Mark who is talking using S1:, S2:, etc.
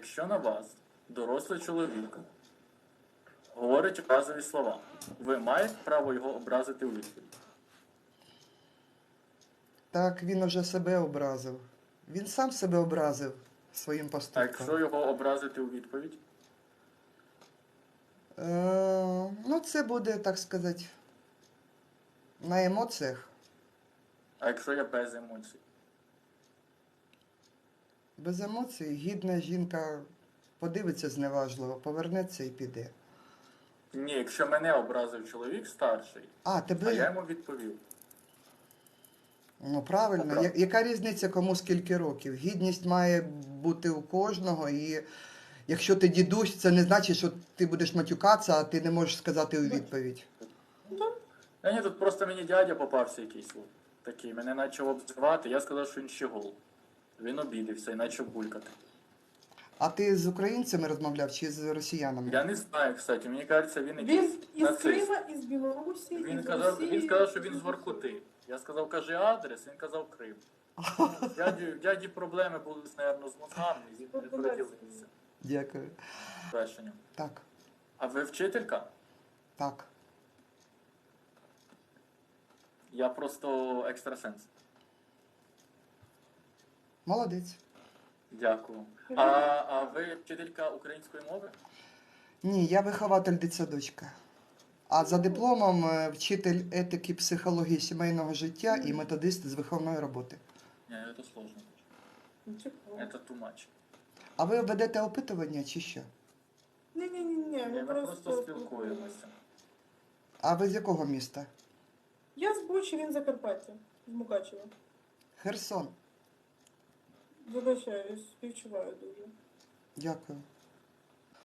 S1: Якщо на вас дорослий чоловік говорить образливі слова, ви маєте право його образити у відповідь?
S2: Так, він уже себе образив. Він сам себе образив своїм
S1: А якщо
S2: поступком.
S1: його образити у відповідь?
S2: Ну, це буде, так сказати, на емоціях.
S1: А якщо я без емоцій?
S2: Без емоцій гідна жінка подивиться зневажливо, повернеться і піде.
S1: Ні, якщо мене образив чоловік старший,
S2: А,
S1: а я
S2: тебе?
S1: йому відповів.
S2: Ну, правильно.
S1: Правда.
S2: Яка різниця, кому скільки років? Гідність має бути у кожного, і якщо ти дідусь, це не значить, що ти будеш матюкатися, а ти не можеш сказати у відповідь.
S1: Та ні, тут просто мені дядя попався якийсь такий, мене почав обзивати, я сказав, що він щегол. Він обідився і почав булькати.
S2: А ти з українцями розмовляв чи з росіянами?
S1: Я не знаю, кстати, мені кажеться, він
S3: Він
S1: якийсь
S3: із
S1: нацист.
S3: Крима, із Білорусі,
S1: Він
S3: із
S1: сказав,
S3: Росії.
S1: він сказав, що він з Воркути. Я сказав, кажи адрес, він казав Крим. В дяді проблеми були, мабуть, з мозгами, і він не приділився
S2: Дякую.
S1: вершенням.
S2: Так,
S1: А ви вчителька?
S2: так.
S1: Я просто екстрасенс.
S2: Молодець.
S1: Дякую. А ви вчителька української мови?
S2: Ні, я вихователь дитсадочка. А за дипломом вчитель етики, психології сімейного життя і методист з виховної роботи.
S1: Ні, це сложно.
S3: Цікаво.
S1: Це too much.
S2: А ви ведете опитування чи що?
S3: Ні,
S1: Ми просто спілкуємося.
S2: А ви з якого міста?
S3: Я з Бучі, він з Закарпаття, з Мукачева.
S2: Херсон.
S3: Вибачаюсь, співчуваю дуже.
S2: Дякую.